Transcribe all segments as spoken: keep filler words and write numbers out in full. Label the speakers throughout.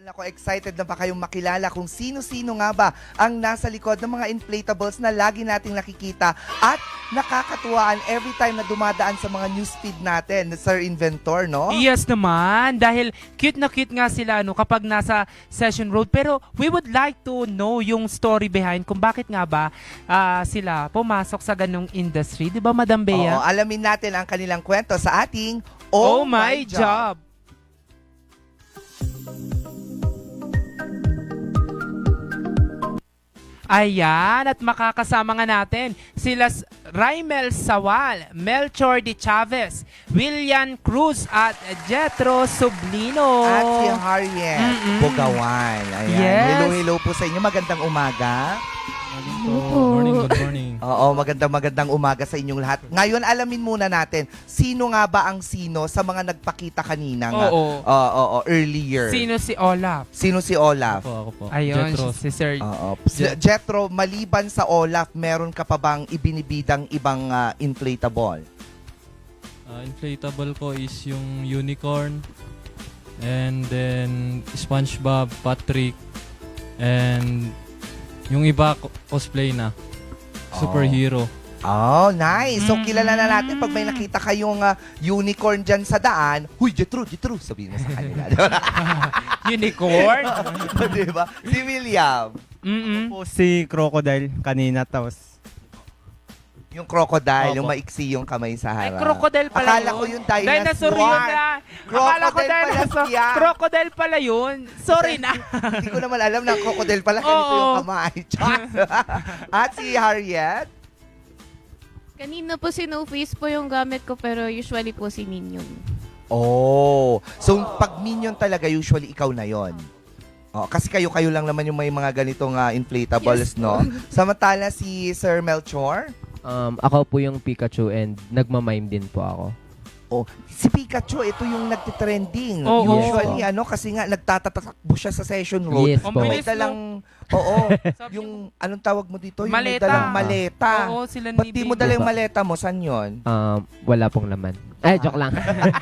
Speaker 1: Ako, excited na ba kayong makilala kung sino-sino nga ba ang nasa likod ng mga inflatables na lagi nating nakikita at nakakatuwaan every time na dumadaan sa mga newsfeed natin, Sir Inventor, no?
Speaker 2: Yes naman, dahil cute na cute nga sila ano, kapag nasa Session Road. Pero we would like to know yung story behind kung bakit nga ba ah, sila pumasok sa ganung industry. Di ba, Madam
Speaker 1: Oo,
Speaker 2: Bea?
Speaker 1: alamin natin ang kanilang kwento sa ating
Speaker 2: Oh, my job! Ayan, at makakasama nga natin sila S- Raimel Sawal, Melchor de Chavez, William Cruz at Jetro Sublino.
Speaker 1: At si Harriet
Speaker 2: Mm-mm.
Speaker 1: Bugawan. Ayan.
Speaker 2: Yes.
Speaker 1: Hello, hello po sa inyo. Magandang umaga.
Speaker 3: Good morning, good morning.
Speaker 1: Oo, magandang magandang umaga sa inyong lahat. Ngayon, alamin muna natin, sino nga ba ang sino sa mga nagpakita kanina nga?
Speaker 2: Oo.
Speaker 1: Oo, oo, earlier.
Speaker 2: Sino si Olaf?
Speaker 1: Sino si Olaf?
Speaker 3: Ako, ako po.
Speaker 2: Ayun,
Speaker 3: Jetro.
Speaker 2: si Sir.
Speaker 1: Oo. Si- Jetro, maliban sa Olaf, meron ka pa bang ibinibidang ibang ah, inflatable?
Speaker 3: Ah, inflatable ko is yung unicorn, and then SpongeBob, Patrick, and yung iba ko- cosplay na. Superhero.
Speaker 1: Oh, nice. So,
Speaker 2: Mm.
Speaker 1: kilala na natin pag may nakita kayong ah, unicorn dyan sa daan, huy, Jetro, Jetro, sabihin mo sa kanila.
Speaker 2: Unicorn?
Speaker 1: Diba? Si William,
Speaker 2: Mm-mm.
Speaker 4: Po si Crocodile kanina tapos
Speaker 1: yung crocodile,
Speaker 4: Opo.
Speaker 1: yung maiksi yung kamay sa
Speaker 2: Ay,
Speaker 1: harap.
Speaker 2: crocodile pala
Speaker 1: Akala
Speaker 2: yun.
Speaker 1: ko yung dinosaur.
Speaker 2: Dinosaur yun na. Akala ko
Speaker 1: Crocodile pala
Speaker 2: dinosaur.
Speaker 1: siya.
Speaker 2: Crocodile pala yun. Sorry na.
Speaker 1: Hindi ko naman alam na ang crocodile pala ganito
Speaker 2: Oo.
Speaker 1: yung kamay. Char. At si Harriet,
Speaker 5: Kanina po si No Face po yung gamit ko pero usually po si Minion.
Speaker 1: oh. So, pag minion talaga, usually ikaw na yon. Oh, kasi kayo-kayo lang naman yung may mga ganitong ah, inflatables,
Speaker 5: Yes
Speaker 1: no? Samantala si Sir Melchor,
Speaker 6: Um, ako po yung Pikachu and nagmamime din po ako.
Speaker 1: oh, si Pikachu, ito yung nagtitrending.
Speaker 2: Oo.
Speaker 1: Usually, ano, kasi nga, nagtatatakbo siya sa session road.
Speaker 6: Yes
Speaker 2: Ang
Speaker 6: po.
Speaker 1: May
Speaker 2: bilis,
Speaker 1: dalang, oo, yung, anong tawag mo dito? Yung may
Speaker 2: Maleta.
Speaker 1: dalang maleta.
Speaker 2: Oo, sila ni
Speaker 1: Ba't di mo
Speaker 2: Baby.
Speaker 1: dala yung maleta mo? San yun?
Speaker 6: Um, wala pong laman. Ay, joke lang.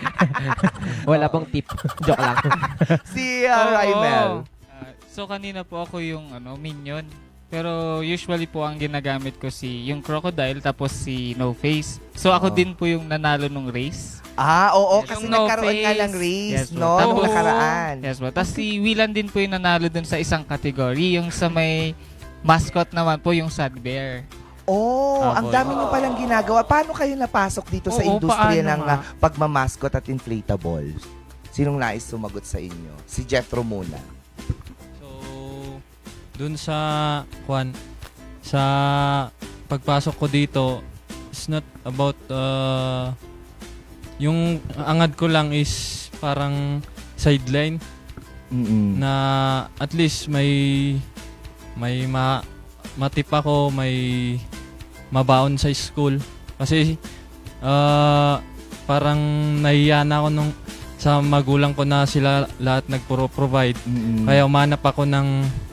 Speaker 6: Wala pong tip. Joke lang.
Speaker 1: Si uh,
Speaker 2: Oo.
Speaker 1: Raimel.
Speaker 7: Ah, so kanina po ako yung ano minion. Pero usually po ang ginagamit ko si yung crocodile tapos si No Face. So ako
Speaker 1: Oo.
Speaker 7: din po yung nanalo nung race.
Speaker 1: Ah, oo,
Speaker 7: Yes.
Speaker 1: kasi
Speaker 7: Yung no
Speaker 1: nagkaroon nga
Speaker 7: face.
Speaker 1: ng race,
Speaker 7: Yes,
Speaker 1: no?
Speaker 7: po.
Speaker 1: Nung
Speaker 7: Tapos-
Speaker 1: nakaraan.
Speaker 7: Yes po. Tapos si Willan din po yung nanalo dun sa isang category. Yung sa may mascot naman po yung Sad Bear.
Speaker 1: Oh,
Speaker 7: Ah,
Speaker 1: ang
Speaker 7: boy.
Speaker 1: dami nyo palang ginagawa. Paano kayo napasok dito sa
Speaker 2: Oo,
Speaker 1: industriya
Speaker 2: paano
Speaker 1: ng
Speaker 2: nga?
Speaker 1: ah, pagmamaskot at inflatables? Sinong nais sumagot sa inyo? Si Jethro muna.
Speaker 3: So, dun sa, Juan, sa pagpasok ko dito, it's not about, uh, yung angad ko lang is parang sideline
Speaker 1: Mm-mm.
Speaker 3: na at least may may ma matip ako, may mabaon sa school kasi ah, parang nahiya na ako nung sa magulang ko na sila lahat nagpro-provide,
Speaker 1: Mm-mm.
Speaker 3: kaya umanap ako ng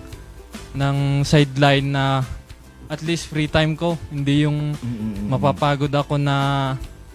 Speaker 3: ng sideline na at least free time ko, hindi yung
Speaker 1: Mm-mm.
Speaker 3: mapapagod ako na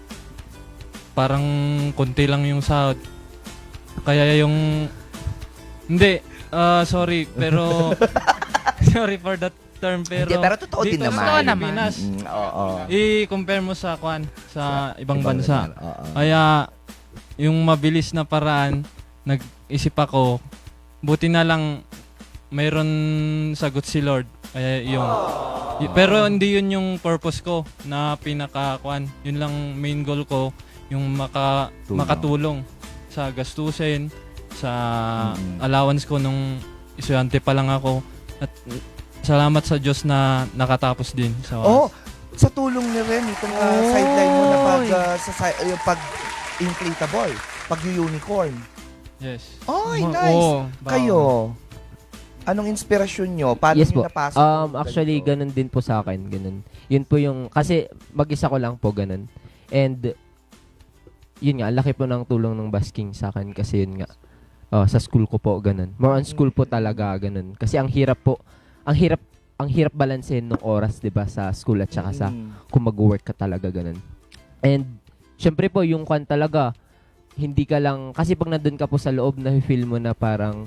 Speaker 3: parang konti lang yung sahod. Kaya yung hindi, ah, sorry, pero sorry for that term, pero
Speaker 1: Hindi, pero totoo din
Speaker 3: dito
Speaker 1: naman.
Speaker 3: sa
Speaker 2: Totoo naman.
Speaker 3: Pilipinas,
Speaker 1: Mm, oo.
Speaker 3: i-compare mo sa kwan sa ibang bansa.
Speaker 1: Oo.
Speaker 3: Kaya yung mabilis na paraan, nag-isip ako, buti na lang mayroon sagot si Lord. Kaya yung y- pero hindi yun yung purpose ko na pinaka kwan. Yun lang main goal ko, yung maka
Speaker 1: Tulong.
Speaker 3: makatulong sa gastusin, sa
Speaker 1: Mm.
Speaker 3: allowance ko nung estudyante pa lang ako. At salamat sa Diyos na nakatapos din sa
Speaker 1: Oh, sa tulong ni Ren, itong ah,
Speaker 2: Oy.
Speaker 1: sideline mo na pag, ah, sa, si- yung pag inflatable, pag unicorn.
Speaker 3: Yes.
Speaker 1: Oy,
Speaker 2: Ma-
Speaker 1: nice.
Speaker 2: oo.
Speaker 1: Kayo, anong inspirasyon nyo? Paano
Speaker 6: Yes
Speaker 1: nyo
Speaker 6: po.
Speaker 1: napasok?
Speaker 6: Um,
Speaker 1: yung
Speaker 6: actually,
Speaker 1: ganito?
Speaker 6: ganun din po sa akin. Ganun. Yun po yung, kasi mag-isa ko lang po, ganun. And, yun nga, laki po ng tulong ng basking sa akin kasi yun nga, uh, sa school ko po, ganun. More on school po talaga, ganun. Kasi ang hirap po, ang hirap, ang hirap balansehin ng oras, di ba, sa school at saka sa
Speaker 1: Mm.
Speaker 6: kung mag-work ka talaga, ganun. And, syempre po, yung kwan talaga, hindi ka lang, kasi pag nandun ka po sa loob, na-feel mo na parang,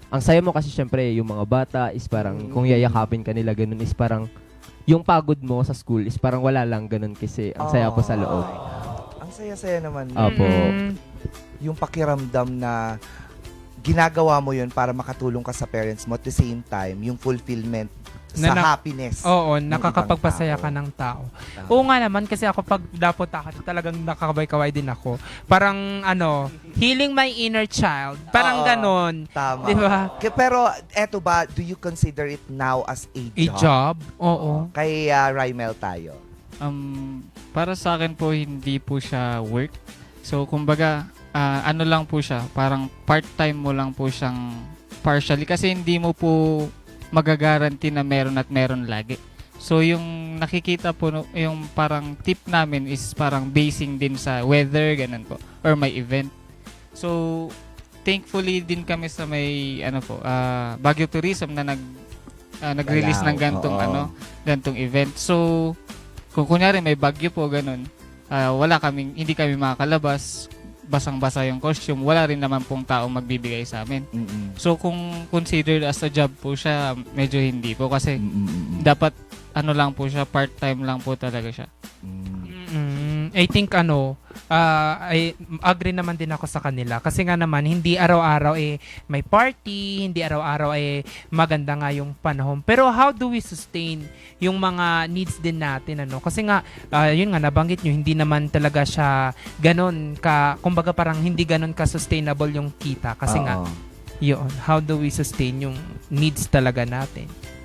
Speaker 6: ang saya mo kasi syempre yung mga bata is parang
Speaker 1: Mm.
Speaker 6: kung yayakapin ka nila ganun is parang yung pagod mo sa school is parang wala lang ganun kasi ang saya po sa loob.
Speaker 1: Ang saya-saya naman.
Speaker 6: Apo.
Speaker 2: Mm.
Speaker 1: Yung pakiramdam na ginagawa mo yun para makatulong ka sa parents mo at the same time, yung fulfillment
Speaker 2: Na
Speaker 1: sa
Speaker 2: na-
Speaker 1: happiness.
Speaker 2: Oo,
Speaker 1: ng
Speaker 2: nakakapagpasaya
Speaker 1: ibang
Speaker 2: ka
Speaker 1: tao.
Speaker 2: ng tao.
Speaker 1: Tama.
Speaker 2: Oo nga naman, kasi ako pag dapot ako, talagang nakakabay-kaway din ako. Parang, ano, healing my inner child. Parang
Speaker 1: Oo.
Speaker 2: ganon.
Speaker 1: Tama.
Speaker 2: Di ba?
Speaker 1: K- Pero eto ba, do you consider it now as a
Speaker 2: A
Speaker 1: job?
Speaker 2: job? Oo.
Speaker 1: Kay uh, Rymel tayo.
Speaker 7: Um, para sa akin po, hindi po siya work. So, kumbaga, ah, ano lang po siya, parang part-time mo lang po siyang partially. Kasi hindi mo po magagaranti na meron at meron lagi. So, yung nakikita po, no- yung parang tip namin is parang basing din sa weather, ganun po, or may event. So, thankfully din kami sa may, ano po, ah, Baguio Tourism na nag, ah, nag-release
Speaker 1: Galaw,
Speaker 7: ng gantong,
Speaker 1: oo.
Speaker 7: ano, gantong event. So, kung kunyari may bagyo po, ganun, ah, wala kaming, hindi kami makakalabas, basang-basa yung costume, wala rin naman pong tao magbibigay sa amin.
Speaker 1: Mm-mm.
Speaker 7: So, kung considered as a job po siya, medyo hindi po kasi
Speaker 1: Mm-mm.
Speaker 7: dapat ano lang po siya, part-time lang po talaga siya.
Speaker 1: Mm.
Speaker 2: Mm, I think ano, ah, I agree naman din ako sa kanila kasi nga naman hindi araw-araw eh may party, hindi araw-araw eh maganda nga yung panahon. Pero how do we sustain yung mga needs din natin ano? Kasi nga ah, yun nga nabanggit nyo, hindi naman talaga siya ganon ka, kumbaga parang hindi ganon ka sustainable yung kita kasi nga
Speaker 1: Oo.
Speaker 2: yun, how do we sustain yung needs talaga natin?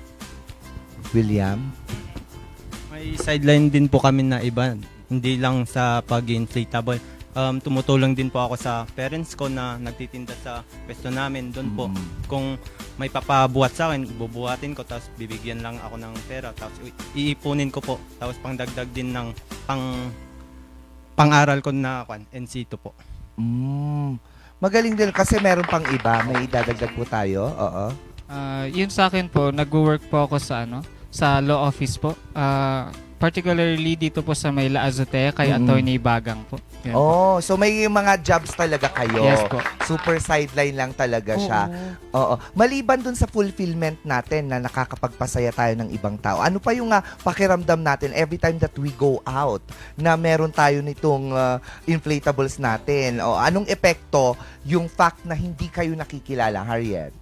Speaker 1: William?
Speaker 4: May sideline din po kami na iba. Hindi lang sa pag-inflatable. Um, tumutulong din po ako sa parents ko na nagtitinda sa pwesto namin. Doon po,
Speaker 1: Mm.
Speaker 4: kung may papabuhat sa akin, bubuhatin ko, tapos bibigyan lang ako ng pera. Tapos i- iipunin ko po. Tapos pangdagdag din ng pang pang-aral ko na kwan, N C two po.
Speaker 1: Mm. Magaling din kasi meron pang iba. May idadagdag po tayo. Oo.
Speaker 7: Ah, yun sa akin po, nag-work po ako sa ano, sa law office po. Ah, particularly dito po sa may La Azotea kay
Speaker 1: Mm-mm.
Speaker 7: Attorney Bagang po. Yan po.
Speaker 1: Oh, so may mga jobs talaga kayo.
Speaker 7: Yes po.
Speaker 1: Super sideline lang talaga siya. Oo. Maliban dun sa fulfillment natin na nakakapagpasaya tayo ng ibang tao, ano pa yung uh, pakiramdam natin every time that we go out na meron tayo nitong uh, inflatables natin? O anong epekto yung fact na hindi kayo nakikilala, Harriet?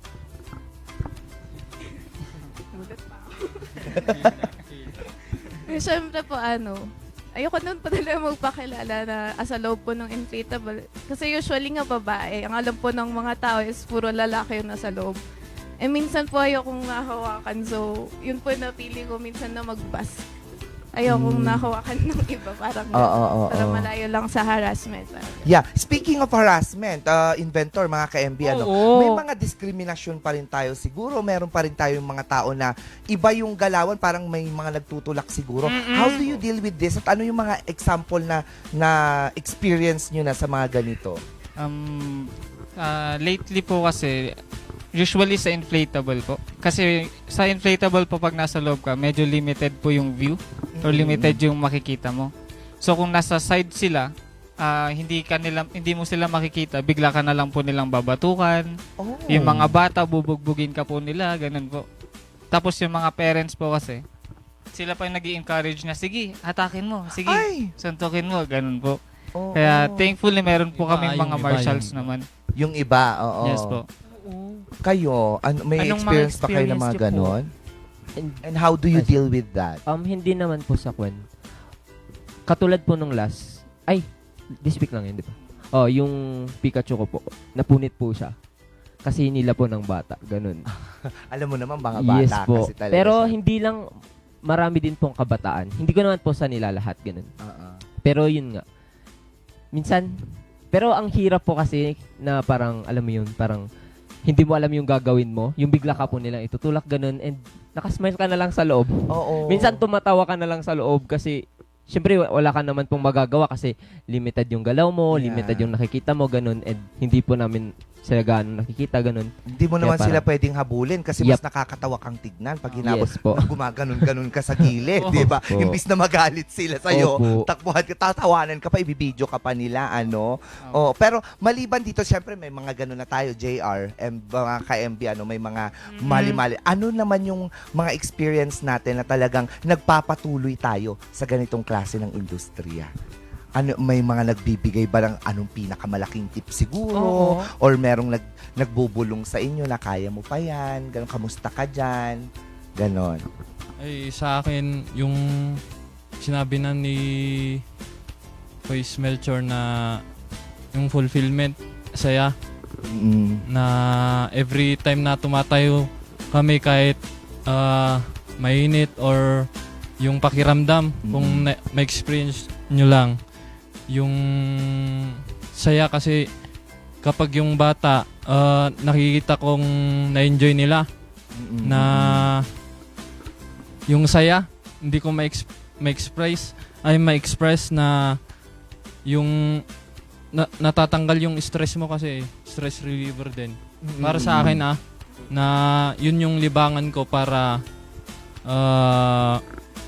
Speaker 5: Eh, Siyempre po ano, ayoko nun pa talaga magpakilala na asa loob po ng inflatable. Kasi usually nga babae, ang alam po ng mga tao is puro lalaki yung nasa loob. Eh minsan po ayokong nahawakan, so yun po napili ko minsan na mag-bus. Ayokong
Speaker 1: Mm.
Speaker 5: nahawakan ng iba, parang
Speaker 1: Oo, oo,
Speaker 5: para
Speaker 1: oo.
Speaker 5: malayo lang sa harassment. Parang
Speaker 1: Yeah, speaking of harassment, uh, inventor, mga ka-M B, ano,
Speaker 2: Oo.
Speaker 1: may mga diskriminasyon pa rin tayo siguro. Meron pa rin tayong mga tao na iba yung galawan, parang may mga nagtutulak siguro.
Speaker 2: Mm-mm.
Speaker 1: How do you deal with this? At ano yung mga example na na experience nyo na sa mga ganito?
Speaker 7: Um, ah, lately po kasi, usually sa inflatable po. Kasi sa inflatable po pag nasa loob ka, medyo limited po yung view or limited yung makikita mo. So kung nasa side sila, ah, hindi ka nila, hindi mo sila makikita, bigla ka na lang po nilang babatukan.
Speaker 1: Oh.
Speaker 7: Yung mga bata, bubugbugin ka po nila, ganun po. Tapos yung mga parents po kasi, sila pa yung nag encourage na, sige, hatakin mo, sige,
Speaker 1: Ay!
Speaker 7: suntukin mo, ganun po.
Speaker 1: Oo.
Speaker 7: Kaya thankfully meron po
Speaker 3: Iba,
Speaker 7: kaming
Speaker 3: yung
Speaker 7: mga
Speaker 3: iba,
Speaker 7: marshals
Speaker 3: yung iba.
Speaker 7: naman.
Speaker 1: Yung iba, oo.
Speaker 7: Yes po.
Speaker 1: Kayo, ano, may
Speaker 2: Anong mga
Speaker 1: experience pa kayo ng mga
Speaker 2: experience nyo po?
Speaker 1: ganon?
Speaker 6: And,
Speaker 1: And how do you
Speaker 6: Ay.
Speaker 1: deal with that?
Speaker 6: um, hindi naman po sa kwan. Katulad po nung last, ay, this week lang yun, di ba? Oh, yung Pikachu ko po, napunit po siya. Kasi nila po ng bata, ganun.
Speaker 1: Alam mo naman, mga bata
Speaker 6: Yes po.
Speaker 1: kasi talaga
Speaker 6: Pero
Speaker 1: siya.
Speaker 6: hindi lang, marami din pong kabataan. Hindi ko naman po sa nila lahat, ganun.
Speaker 1: Oo.
Speaker 6: Pero yun nga. Minsan, pero ang hirap po kasi na parang, alam mo yun, parang hindi mo alam yung gagawin mo. Yung bigla ka po nilang itutulak ganun and nakasmile ka na lang sa loob.
Speaker 1: Oo.
Speaker 6: Minsan tumatawa ka na lang sa loob kasi syempre wa- wala ka naman pong magagawa kasi limited yung galaw mo,
Speaker 1: Yeah.
Speaker 6: limited yung nakikita mo, ganun. And hindi po namin sila gaano nakikita, ganun.
Speaker 1: Hindi mo
Speaker 6: Kaya
Speaker 1: naman sila
Speaker 6: parang-
Speaker 1: pwedeng habulin kasi
Speaker 6: Yup.
Speaker 1: mas nakakatawa kang tignan pag hinabol.
Speaker 6: Yes po.
Speaker 1: Gumaganon-ganon ka sa gilid, di ba?
Speaker 6: Opo.
Speaker 1: Imbis na magalit sila sa'yo,
Speaker 6: Opo.
Speaker 1: takbuhan ka, tatawanan ka pa, ibibideo ka pa nila, ano. Oh, pero maliban dito, syempre may mga ganon na tayo, J R, M, mga ka-M B, ano, may mga mali-mali. Ano naman yung mga experience natin na talagang nagpapatuloy tayo sa ganitong klase ng industriya? Ano, may mga nagbibigay ba ng anong pinakamalaking tip siguro?
Speaker 2: Oo.
Speaker 1: Or merong nag, nagbubulong sa inyo na kaya mo pa yan? Ganon, kamusta ka dyan? Ganon.
Speaker 3: Ay, sa akin, yung sinabi na ni Voice Melchor na yung fulfillment, saya,
Speaker 1: Mm.
Speaker 3: na every time na tumatayo kami kahit ah, mainit or yung pakiramdam, kung
Speaker 1: Mm.
Speaker 3: na- ma-experience nyo lang, yung saya kasi kapag yung bata, ah, nakikita kong na-enjoy nila,
Speaker 1: Mm-mm.
Speaker 3: na yung saya, hindi ko ma-ex- ma-express, ay ma-express na yung na, natatanggal yung stress mo kasi stress reliever din. Para sa akin ah, na yun yung libangan ko para ah,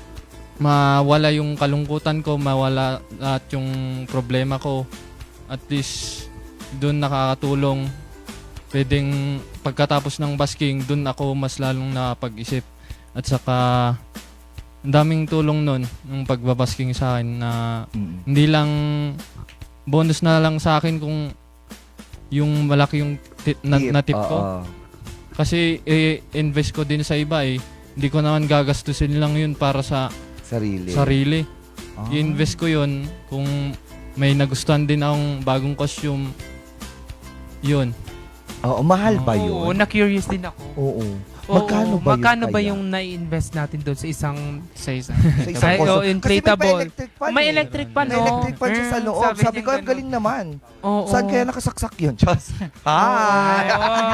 Speaker 3: mawala yung kalungkutan ko, mawala at yung problema ko. At least doon nakakatulong. Pwedeng pagkatapos ng basking, doon ako mas lalong napag-isip. At saka ang daming tulong nun ng pagbabasking sa akin na
Speaker 1: Mm.
Speaker 3: hindi lang bonus na lang sa akin kung yung malaki yung tip, na,
Speaker 1: Tip,
Speaker 3: na tip ko.
Speaker 1: oo.
Speaker 3: Kasi i-invest ko din sa iba eh. Hindi ko naman gagastusin lang yun para sa
Speaker 1: Sarili.
Speaker 3: sarili.
Speaker 1: Ah.
Speaker 3: I-invest ko yun kung may nagustuhan din akong bagong costume. Yun.
Speaker 1: Oo, mahal ba
Speaker 2: Oo,
Speaker 1: yun?
Speaker 2: na-curious din ako.
Speaker 1: Oo.
Speaker 2: Oo,
Speaker 1: Magkano ba yun
Speaker 2: magkano ba
Speaker 1: kaya?
Speaker 2: yung na-invest natin doon sa isang
Speaker 7: Sa isa.
Speaker 1: Sa isang
Speaker 2: Ay,
Speaker 1: costume?
Speaker 2: oh, inflatable.
Speaker 1: Kasi may pa-electric fan
Speaker 2: may
Speaker 1: eh.
Speaker 2: electric pa,
Speaker 1: May
Speaker 2: no?
Speaker 1: electric fan siya sa
Speaker 2: Mm,
Speaker 1: loob. Sabi,
Speaker 2: niya
Speaker 1: ko, ang
Speaker 2: ganun.
Speaker 1: galing naman.
Speaker 2: Oo.
Speaker 1: Saan kaya nakasaksak yun? Diyos. Hi!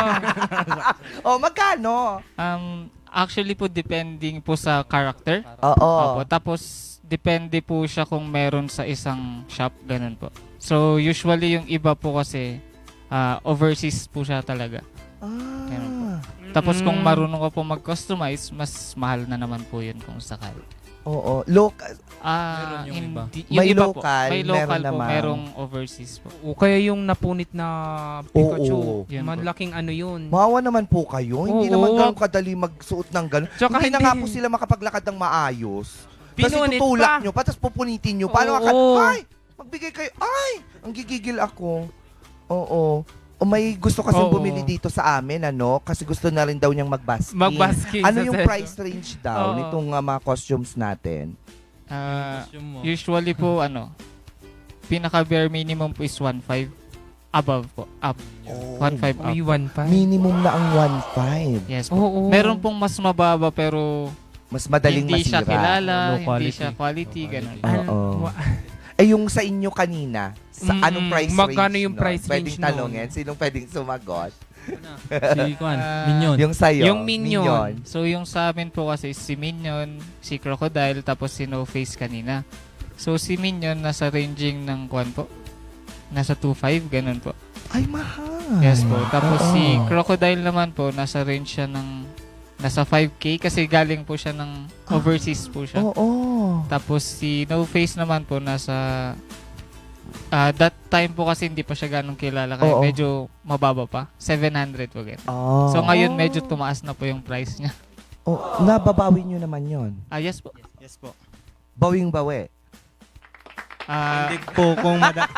Speaker 1: oh, magkano?
Speaker 7: Um, actually po, depending po sa character.
Speaker 1: Oo.
Speaker 7: Opo. Tapos, depende po siya kung meron sa isang shop, ganun po. So, usually yung iba po kasi, ah, overseas po siya talaga. Ganun po.
Speaker 1: Ah.
Speaker 7: Tapos, kung
Speaker 2: Mm.
Speaker 7: marunong ka po mag-customize, mas mahal na naman po yun kung sakali.
Speaker 1: Oo. Local.
Speaker 7: Ah,
Speaker 3: Meron yung iba.
Speaker 7: hindi,
Speaker 1: May
Speaker 7: iba po.
Speaker 1: local,
Speaker 7: May
Speaker 1: meron
Speaker 7: local po,
Speaker 1: naman.
Speaker 7: merong overseas po.
Speaker 2: O kaya yung napunit na Pikachu,
Speaker 1: Oo.
Speaker 7: Yun po.
Speaker 2: malaking ano yun.
Speaker 1: Maawa naman po kayo. Hindi
Speaker 2: Oo.
Speaker 1: naman ganun kadali magsuot ng ganun.
Speaker 2: Tsaka
Speaker 1: hindi na
Speaker 2: hindi.
Speaker 1: nga po sila makapaglakad ng maayos. Kasi
Speaker 2: Pinunit
Speaker 1: tutulak
Speaker 2: pa.
Speaker 1: nyo pa, tapos pupunitin nyo. Paano
Speaker 2: Oo.
Speaker 1: ka? Ay! Magbigay kayo. Ay! Ang gigigil ako. Oo. O may gusto kasi
Speaker 2: Oo.
Speaker 1: bumili dito sa amin, ano? Kasi gusto na rin daw niyang magbasking.
Speaker 2: Magbasking
Speaker 1: Ano
Speaker 2: sa
Speaker 1: yung
Speaker 2: session.
Speaker 1: price range daw
Speaker 2: Oo.
Speaker 1: nitong uh, mga costumes natin?
Speaker 7: Ah,
Speaker 3: Costume mo.
Speaker 7: usually po, ano, pinaka bare minimum po is one point five. Above po. Up.
Speaker 1: Oh.
Speaker 7: one point five up.
Speaker 2: Uy, one pa.
Speaker 1: Minimum na ang one point five.
Speaker 7: Yes po.
Speaker 2: Oo.
Speaker 7: Meron pong mas mababa pero
Speaker 1: Mas madaling
Speaker 7: hindi
Speaker 1: masira.
Speaker 7: siya kilala,
Speaker 3: Low
Speaker 7: hindi
Speaker 3: quality.
Speaker 7: siya quality,
Speaker 3: Low
Speaker 7: ganun.
Speaker 3: quality.
Speaker 1: Oo.
Speaker 2: Wa-
Speaker 1: Eh yung sa inyo kanina, sa
Speaker 2: Mm,
Speaker 1: anong price
Speaker 2: magkano
Speaker 1: range
Speaker 2: yung
Speaker 1: nun?
Speaker 2: price
Speaker 1: Pwedeng
Speaker 2: range nun?
Speaker 1: talungin. Sinong pwedeng sumagot?
Speaker 3: Si Kwan,
Speaker 7: Ah,
Speaker 3: Minion.
Speaker 1: Yung sa'yo.
Speaker 2: Yung Minion.
Speaker 7: So yung sa amin po kasi si Minion, si Crocodile, tapos si No Face kanina. So si Minion nasa ranging ng kwan po. Nasa two point five, ganun po.
Speaker 1: Ay, mahal.
Speaker 7: Yes po. Tapos
Speaker 1: Oo.
Speaker 7: si Crocodile naman po, nasa range siya ng nasa five K kasi galing po siya ng overseas po siya.
Speaker 1: Oo.
Speaker 7: Tapos si No Face naman po nasa ah, that time po kasi hindi pa siya ganong kilala kaya
Speaker 1: Oo.
Speaker 7: medyo mababa pa. seven hundred po ganun.
Speaker 1: Oh.
Speaker 7: So ngayon medyo tumaas na po yung price niya.
Speaker 1: Oh, nababawi nyo naman yon.
Speaker 7: Ah, yes po.
Speaker 4: Yes po.
Speaker 1: Bawing bawi.
Speaker 7: Ah,
Speaker 4: Depende po kung mada-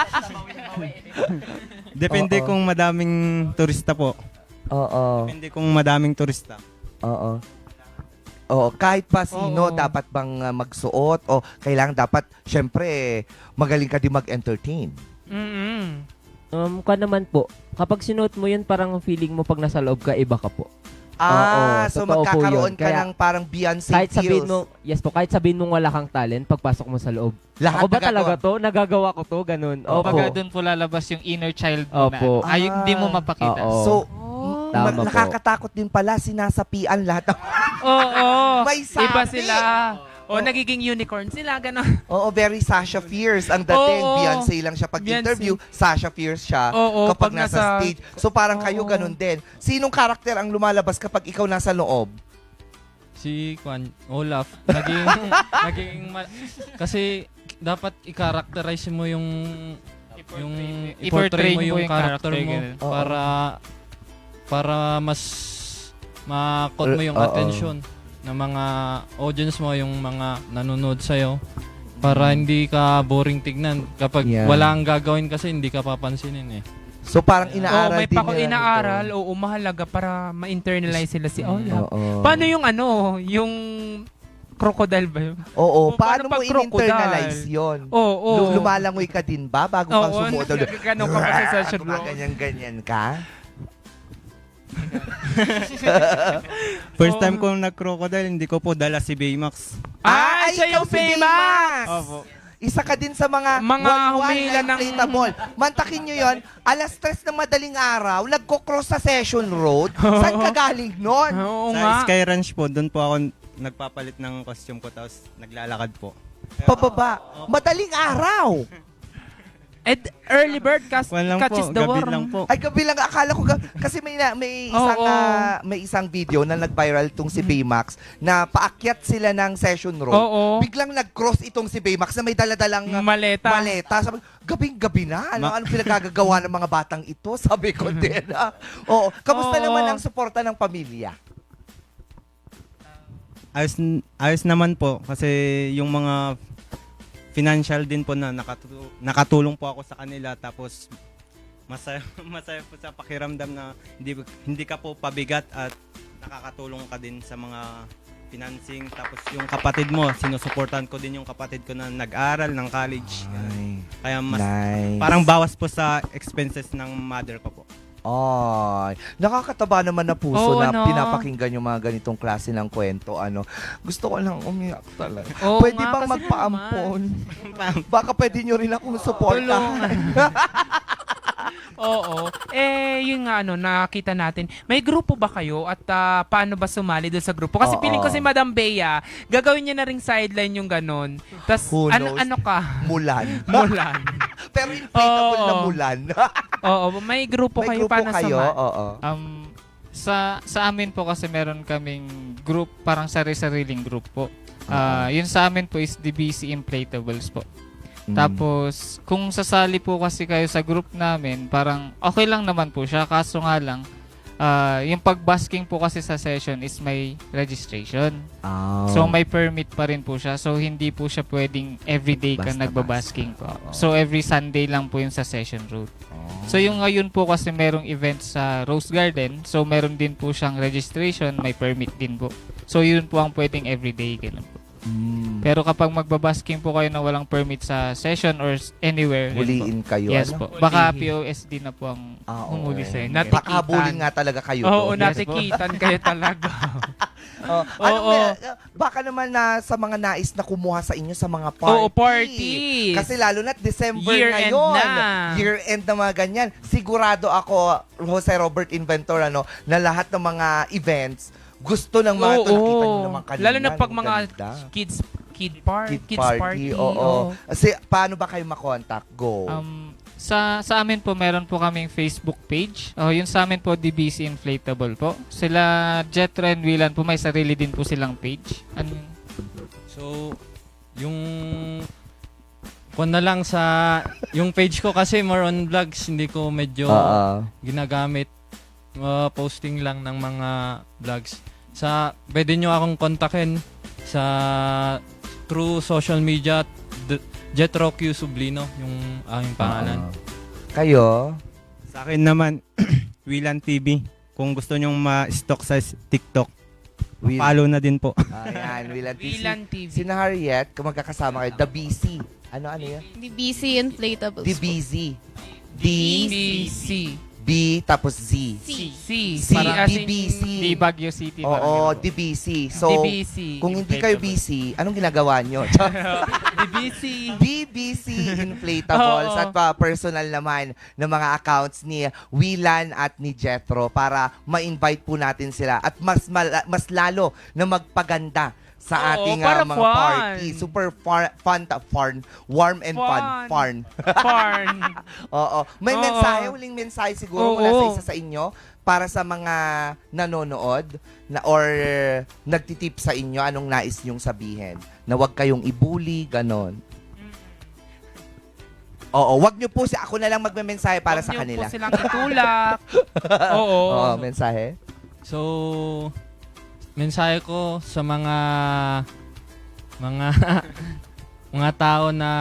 Speaker 4: Depende
Speaker 1: Oo.
Speaker 4: kung madaming turista po.
Speaker 1: Oo.
Speaker 4: Depende kung madaming turista.
Speaker 1: Oo. Oo, kahit pa sino
Speaker 2: Oo.
Speaker 1: dapat bang uh, magsuot o kailangan dapat syempre magaling ka din mag-entertain.
Speaker 2: Mm-mm.
Speaker 6: Um, ka naman po, kapag sinuot mo yun, parang feeling mo pag nasa loob ka, iba ka po.
Speaker 1: Ah, so
Speaker 6: totoo po
Speaker 1: magkakaroon
Speaker 6: yun.
Speaker 1: ka
Speaker 6: Kaya
Speaker 1: ng parang Beyonce
Speaker 6: Kahit sabihin
Speaker 1: feels.
Speaker 6: mo, yes po, kahit sabihin mong wala kang talent, pagpasok mo sa loob.
Speaker 1: Lahat
Speaker 6: Ako ba
Speaker 1: nagagawa.
Speaker 6: talaga to? Nagagawa ko to? Ganun. Opo.
Speaker 7: Kumbaga doon po lalabas yung inner child mo
Speaker 6: Opo.
Speaker 7: na ay hindi mo mapakita.
Speaker 6: Oo.
Speaker 1: So,
Speaker 2: Oh.
Speaker 1: ma-
Speaker 6: Tama po.
Speaker 1: nakakatakot din pala sinasapian lahat ng
Speaker 2: Oo.
Speaker 1: May sabi.
Speaker 2: Iba sila. O nagiging unicorn sila, gano'n.
Speaker 1: Oo, very Sasha Fierce ang dating.
Speaker 2: Oo.
Speaker 1: Beyonce lang siya pag interview, Sasha Fierce siya
Speaker 2: Oo,
Speaker 1: kapag
Speaker 2: pag
Speaker 1: nasa
Speaker 2: nasa-
Speaker 1: stage. So parang kayo
Speaker 2: Oo.
Speaker 1: ganun din. Sinong karakter ang lumalabas kapag ikaw nasa loob?
Speaker 3: Si Kwan, Olaf, naging, naging, ma- kasi dapat i-characterize mo yung, yung, i-portray mo yung character mo
Speaker 7: ganun.
Speaker 1: Oo.
Speaker 3: para, para mas, makot mo yung
Speaker 1: Oo.
Speaker 3: attention ng mga audience mo, yung mga nanonood sa'yo. Para hindi ka boring tignan. Kapag
Speaker 1: Yeah.
Speaker 3: wala kang gagawin kasi hindi ka papansinin eh.
Speaker 1: So parang
Speaker 2: Oo,
Speaker 1: inaaral
Speaker 2: may
Speaker 1: din
Speaker 2: pako
Speaker 1: nila
Speaker 2: inaaral.
Speaker 1: ito.
Speaker 2: Oo, mahalaga para ma-internalize sila si Olaf.
Speaker 1: Oo.
Speaker 2: Paano yung ano, yung crocodile ba yun?
Speaker 1: Oo,
Speaker 2: O,
Speaker 1: paano,
Speaker 2: paano
Speaker 1: mo
Speaker 2: pag crocodile?
Speaker 1: in-internalize yun?
Speaker 2: Oo.
Speaker 1: Lu- Lumalangoy ka din ba bago kang
Speaker 2: Oo,
Speaker 1: sumuot?
Speaker 2: ganun ka pa sa session bro.
Speaker 1: Ganyan-ganyan ka?
Speaker 4: First
Speaker 2: Oo.
Speaker 4: time ko nag-crocodile, hindi ko po dala si Baymax.
Speaker 2: Ah,
Speaker 1: Ay,
Speaker 2: siya
Speaker 1: ikaw
Speaker 2: yung
Speaker 1: si
Speaker 2: famous!
Speaker 1: Baymax!
Speaker 4: Opo.
Speaker 1: Isa ka din sa mga
Speaker 2: Mga
Speaker 1: walwal
Speaker 2: humihila
Speaker 1: na
Speaker 2: ng-
Speaker 1: inflatable. Mantakin nyo yon, alas tres ng madaling araw, nagko-cross sa Session Road. Saan ka galing nun?
Speaker 2: Oo
Speaker 4: Sa
Speaker 2: nga.
Speaker 4: Sky Ranch po, doon po ako nagpapalit ng costume ko tapos naglalakad po.
Speaker 1: Pababa. Madaling araw.
Speaker 2: Ed, early bird cas-
Speaker 4: Kwan lang
Speaker 2: catches
Speaker 4: po,
Speaker 2: the
Speaker 4: gabi
Speaker 2: worm.
Speaker 4: lang po.
Speaker 1: Ay, gabi lang. Akala ko, ga- kasi may, na, may, isang,
Speaker 2: Oo.
Speaker 1: ah, may isang video na nag-viral tong si Baymax na paakyat sila ng Session Road.
Speaker 2: Oo.
Speaker 1: Biglang nag-cross itong si Baymax na may daladalang ah,
Speaker 2: Maleta.
Speaker 1: maleta. Sabi, gabing-gabi na. Ano,
Speaker 4: Ma-
Speaker 1: anong pinagagagawa ng mga batang ito? Sabi ko din. ah. Oo. Kamusta
Speaker 2: Oo.
Speaker 1: naman ang suporta ng pamilya?
Speaker 4: Ayos, ayos naman po kasi yung mga financial din po na nakatu- nakatulong po ako sa kanila tapos masaya, masaya po sa pakiramdam na hindi, hindi ka po pabigat at nakakatulong ka din sa mga financing. Tapos yung kapatid mo, sinusuportahan ko din yung kapatid ko na nag-aral ng college.
Speaker 1: Ay,
Speaker 4: Kaya mas
Speaker 1: nice.
Speaker 4: parang bawas po sa expenses ng mother ko po.
Speaker 1: Ay, nakakataba naman na puso
Speaker 2: Oo,
Speaker 1: na
Speaker 2: no?
Speaker 1: pinapakinggan yung mga ganitong klase ng kwento. Ano, gusto ko lang umiyak talaga.
Speaker 2: Oo
Speaker 1: Pwede
Speaker 2: nga,
Speaker 1: bang
Speaker 2: kasi
Speaker 1: magpaampon? Baka pwede nyo rin akong suportahan.
Speaker 2: Oo. Eh, yun nga ano, nakita natin. May grupo ba kayo at ah, paano ba sumali doon sa grupo? Kasi
Speaker 1: Oo.
Speaker 2: piling ko si Madam Bea, gagawin niya na ring sideline yung ganon. Tapos,
Speaker 1: Who
Speaker 2: ano,
Speaker 1: knows?
Speaker 2: ano ka?
Speaker 1: Mulan.
Speaker 2: Mulan.
Speaker 1: Pero inflatable
Speaker 2: Oo.
Speaker 1: na mulan.
Speaker 2: Oo, may grupo
Speaker 1: May
Speaker 2: kayo
Speaker 1: grupo
Speaker 2: paano
Speaker 1: kayo?
Speaker 2: sumali?
Speaker 1: Oo.
Speaker 7: Um, sa sa amin po kasi meron kaming group, parang sari-sariling group po. Ah, yun sa amin po is D B C Inflatables po.
Speaker 1: Mm.
Speaker 7: Tapos, kung sasali po kasi kayo sa group namin, parang okay lang naman po siya. Kaso nga lang, ah, yung pag-basking po kasi sa session is may registration.
Speaker 1: Oh.
Speaker 7: So, may permit pa rin po siya. So, hindi po siya pwedeng everyday ka
Speaker 1: Basta-basta.
Speaker 7: nagbabasking po.
Speaker 1: Oo.
Speaker 7: So, every Sunday lang po yung sa session route.
Speaker 1: Oh.
Speaker 7: So, yung ngayon po kasi merong event sa Rose Garden. So, meron din po siyang registration. May permit din po. So, yun po ang pwedeng everyday. Ganun po.
Speaker 1: Mm.
Speaker 7: Pero kapag magbabasking po kayo na walang permit sa session or s- anywhere, yun po.
Speaker 1: Huliin kayo.
Speaker 7: Yes
Speaker 1: ano?
Speaker 7: po. Baka
Speaker 2: Hulihin.
Speaker 7: P O S D na po ang
Speaker 1: Ah, oo.
Speaker 7: humuli sa inyo.
Speaker 2: Nati-
Speaker 1: Baka habulin nga talaga kayo
Speaker 2: Oo,
Speaker 1: doon.
Speaker 2: natikitan kayo talaga.
Speaker 1: Oh, ano
Speaker 2: Oo.
Speaker 1: may- baka naman na sa mga nais na kumuha sa inyo sa mga party.
Speaker 2: Oo, parties.
Speaker 1: Kasi lalo na't December
Speaker 2: Year end
Speaker 1: ngayon.
Speaker 2: na.
Speaker 1: Year end na mga ganyan. Sigurado ako, Jose Robert Inventor, ano, na lahat ng mga events, gusto ng mga
Speaker 2: Oo,
Speaker 1: ito. Nakita nyo naman kanina.
Speaker 2: lalo na pag
Speaker 1: ang
Speaker 2: mga
Speaker 1: ganda.
Speaker 2: kids kid par
Speaker 1: Kid
Speaker 2: kids
Speaker 1: party.
Speaker 2: party.
Speaker 1: Oo. Kasi paano ba kayo makontak? Go.
Speaker 7: Um, sa sa amin po meron po kaming Facebook page. Oh, yun sa amin po D B C Inflatable po. Sila Jetro and Willan po may sarili din po silang page. Ano yun?
Speaker 3: So, yung kung na lang sa yung page ko kasi more on vlogs, hindi ko medyo
Speaker 1: Oo.
Speaker 3: ginagamit. Uh, posting lang ng mga vlogs. Sa pwede nyo akong kontakin sa through social media, D- Jetro Q Sublino yung aking pangalan.
Speaker 1: Oo. Kayo?
Speaker 4: Sa akin naman, Willan T V. Kung gusto nyong ma-stock sa s- TikTok,
Speaker 1: Will.
Speaker 4: follow na din po.
Speaker 1: Ayan, Willan T V.
Speaker 2: Wilan T V.
Speaker 1: Si na Harriet, kung magkakasama kayo, The B C. Ano, ano yan?
Speaker 5: D B C Inflatables
Speaker 1: The
Speaker 5: po.
Speaker 1: B Z. D,
Speaker 2: B C
Speaker 1: B, tapos Z.
Speaker 2: C C
Speaker 1: C,
Speaker 2: Para as
Speaker 1: D B C.
Speaker 7: Di Baguio City. parang
Speaker 1: Oo,
Speaker 7: ganun po.
Speaker 1: D B C. So,
Speaker 2: D B C.
Speaker 1: kung hindi kayo busy, anong ginagawa nyo?
Speaker 2: D B C.
Speaker 1: D B C Inflatables
Speaker 2: Oo.
Speaker 1: at pa personal naman ng mga accounts ni Willan at ni Jetro para ma-invite po natin sila at mas mal- mas lalo na magpaganda sa
Speaker 2: Oo,
Speaker 1: ating
Speaker 2: para
Speaker 1: ah, mga
Speaker 2: fun.
Speaker 1: party. Super far, fun, ta- fun, warm and fun.
Speaker 2: Fun.
Speaker 1: Fun.
Speaker 2: Porn.
Speaker 1: Oo. May
Speaker 2: Oo.
Speaker 1: mensahe, huling mensahe siguro
Speaker 2: Oo.
Speaker 1: mula sa isa sa inyo para sa mga nanonood na or nagtitip sa inyo, anong nais nyong sabihin? Na huwag kayong ibuli, ganon. Oo, wag nyo po si ako na lang magme-mensahe para
Speaker 2: Huwag
Speaker 1: sa
Speaker 2: niyo
Speaker 1: kanila.
Speaker 2: po silang itulak. Oo.
Speaker 1: Oo, mensahe.
Speaker 3: So, mensahe ko sa mga mga mga tao na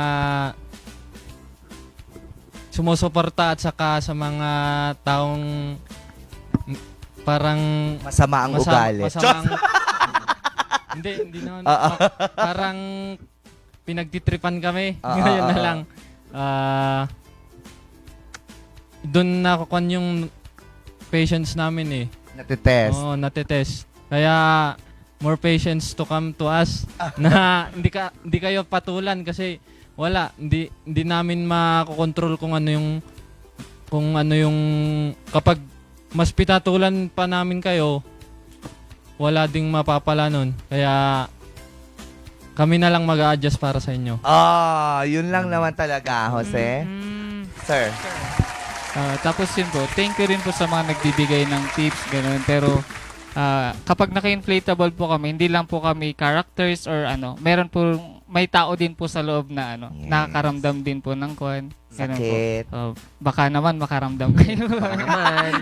Speaker 3: sumusuporta at saka sa mga taong m- parang
Speaker 1: Masama ang
Speaker 3: masama-
Speaker 1: ugali.
Speaker 3: masamang hindi, hindi naman.
Speaker 1: Ah, ah.
Speaker 3: Ma- parang pinagtitripan kami.
Speaker 1: Ah, ah,
Speaker 3: Ngayon na
Speaker 1: ah,
Speaker 3: lang. Ah, doon nakukuha yung patience namin eh.
Speaker 1: Natitest.
Speaker 3: Oo, natitest. Kaya more patience to come to us na hindi ka hindi kayo patulan kasi wala, hindi hindi namin makokontrol kung ano yung kung ano yung kapag mas pitatulan pa namin kayo, wala ding mapapala nun. Kaya kami na lang mag-a-adjust para sa inyo.
Speaker 1: Ah, yun lang naman talaga, Jose.
Speaker 2: Mm.
Speaker 1: Sir.
Speaker 7: Ah, tapos yun po, thank you rin po sa mga nagbibigay ng tips, ganun. Pero ah, kapag naka-inflatable po kami, hindi lang po kami characters or ano, meron po, may tao din po sa loob na ano,
Speaker 1: Yes.
Speaker 7: nakakaramdam din po ng kwan. Ganun po.
Speaker 1: Sakit.
Speaker 7: Oh, baka naman makaramdam kayo.
Speaker 6: Baka naman.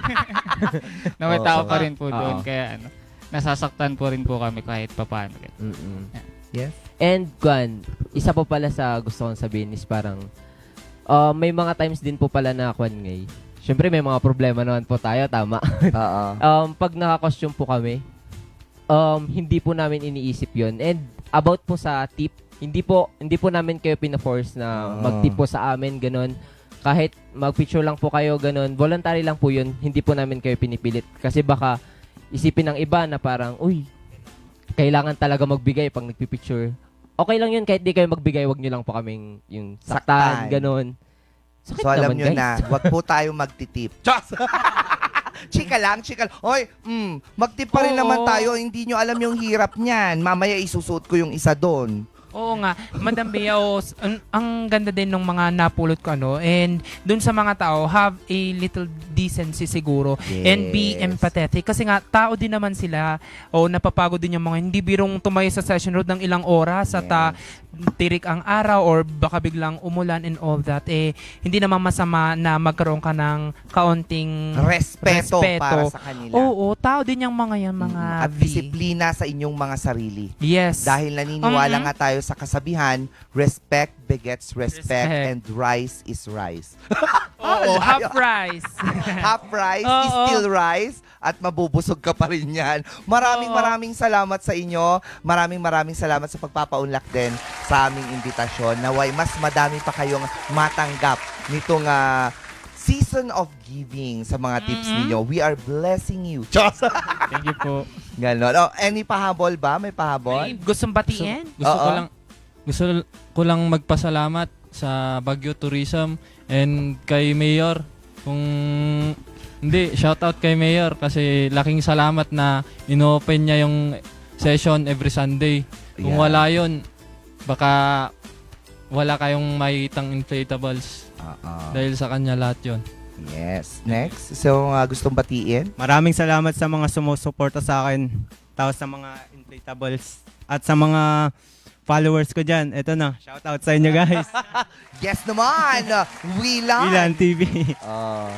Speaker 7: na may
Speaker 1: Oo,
Speaker 7: tao
Speaker 1: oo.
Speaker 7: pa rin po doon.
Speaker 1: Oo.
Speaker 7: Kaya ano, nasasaktan po rin po kami kahit papaano.
Speaker 6: Mm-mm.
Speaker 1: Yes.
Speaker 6: And Gwan, isa po pala sa gusto kong sabihin is parang uh, may mga times din po pala na Kwan ngay. Siyempre may mga problema naman po tayo, tama.
Speaker 1: Oo.
Speaker 6: um, pag naka-costume po kami, um, hindi po namin iniisip yon. And about po sa tip, hindi po hindi po namin kayo pina-force na
Speaker 1: Ah.
Speaker 6: mag-tip po sa amin, ganun. Kahit mag-picture lang po kayo, ganun. Voluntary lang po yun. Hindi po namin kayo pinipilit. Kasi baka isipin ng iba na parang, uy, kailangan talaga magbigay pag nagpipicture. Okay lang yun, kahit di kayo magbigay, wag nyo lang po kaming yung
Speaker 1: Saktan.
Speaker 6: saktan, ganun. Sakit
Speaker 1: So alam
Speaker 6: naman,
Speaker 1: nyo
Speaker 6: guys.
Speaker 1: na, wag po tayo magtitip. Chos! Chika lang, chika lang. Hoy, mm, magtip pa rin
Speaker 2: Oo.
Speaker 1: naman tayo. Hindi nyo alam yung hirap niyan. Mamaya isusuot ko yung isa doon.
Speaker 2: Oo nga, Madam Bea, oh, s- ang, ang ganda din ng mga napulot ko ano, and dun sa mga tao, have a little decency siguro and be
Speaker 1: Yes.
Speaker 2: empathetic kasi nga tao din naman sila o napapagod din yung mga hindi birong tumayo sa session road ng ilang oras at ah, tirik ang araw or baka biglang umulan and all that, eh hindi naman masama na magkaroon ka ng kaunting
Speaker 1: Respeto,
Speaker 2: Respeto.
Speaker 1: para sa kanila.
Speaker 2: Oo, tao din yung mga yan, mga
Speaker 1: Mm, at
Speaker 2: B.
Speaker 1: disiplina sa inyong mga sarili.
Speaker 2: Yes.
Speaker 1: Dahil naniniwala
Speaker 2: Mhm.
Speaker 1: nga tayo sa kasabihan, respect begets respect,
Speaker 2: Respect.
Speaker 1: and rice is rice.
Speaker 2: Oo, half rice.
Speaker 1: Half rice is
Speaker 2: Oo.
Speaker 1: still rice at mabubusog ka pa rin yan. Maraming
Speaker 2: Oo.
Speaker 1: maraming salamat sa inyo. Maraming maraming salamat sa pagpapaunlak din sa aming imbitasyon. Naway mas madami pa kayong matanggap nitong ah, season of giving sa mga tips
Speaker 2: Mhm.
Speaker 1: ninyo. We are blessing you. Chos!
Speaker 7: Thank you po.
Speaker 1: Ganon. Oh, any pahabol ba? May pahabol?
Speaker 2: Ay, gustong batiin?
Speaker 3: Gusto ko
Speaker 1: Oo.
Speaker 3: lang gusto ko lang magpasalamat sa Baguio Tourism and kay Mayor. Kung hindi, shout out kay Mayor kasi laking salamat na ino-open niya yung session every Sunday. Kung
Speaker 1: Ayan.
Speaker 3: wala yun, baka wala kayong makitang inflatables
Speaker 1: Oo.
Speaker 3: dahil sa kanya lahat yun.
Speaker 1: Yes. Next. So, uh, gustong batiin?
Speaker 4: Maraming salamat sa mga sumusuporta sa akin. Tapos sa mga inflatables. At sa mga followers ko dyan. Ito na. Shout out sa inyo guys.
Speaker 1: Yes naman! Wilan!
Speaker 4: Ilan T V.
Speaker 1: Oh.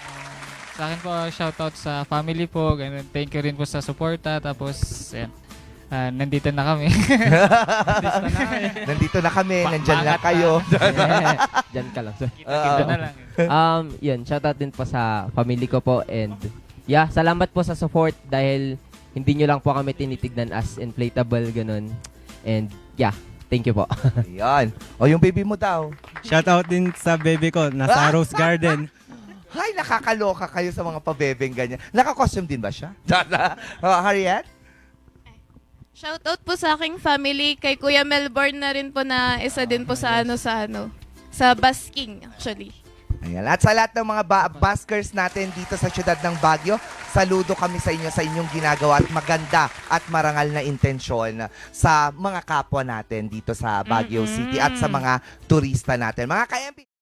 Speaker 7: Sa akin po, shoutout sa family po. Ganun. Thank you rin po sa suporta. Tapos, yan. Ah, nandito na kami. nandito na kami.
Speaker 1: Nandito na kami.
Speaker 7: Pa-
Speaker 1: Nandyan lang
Speaker 7: pangat na.
Speaker 1: kayo.
Speaker 6: Yeah. Diyan ka lang, sir.
Speaker 7: Kita-kita na lang.
Speaker 6: Um, yun, shoutout din po sa family ko po and yeah, salamat po sa support dahil hindi nyo lang po kami tinitignan as inflatable, ganun. And yeah, thank you po.
Speaker 1: Ayan. O, yung baby mo daw.
Speaker 4: Shout out din sa baby ko. Nasa Rose Garden.
Speaker 1: Hay, nakakaloka kayo sa mga pabebeng ganyan. Naka-costume din ba siya? oh, Harriet?
Speaker 5: Shoutout po sa aking family, kay Kuya Melbourne na rin po na isa din po sa ano sa ano, sa basking actually.
Speaker 1: Ayan. At sa lahat ng mga ba- buskers natin dito sa siyudad ng Baguio, saludo kami sa inyo sa inyong ginagawa at maganda at marangal na intensyon sa mga kapwa natin dito sa Baguio
Speaker 2: Mm-mm.
Speaker 1: City at sa mga turista natin. Mga ka-M P,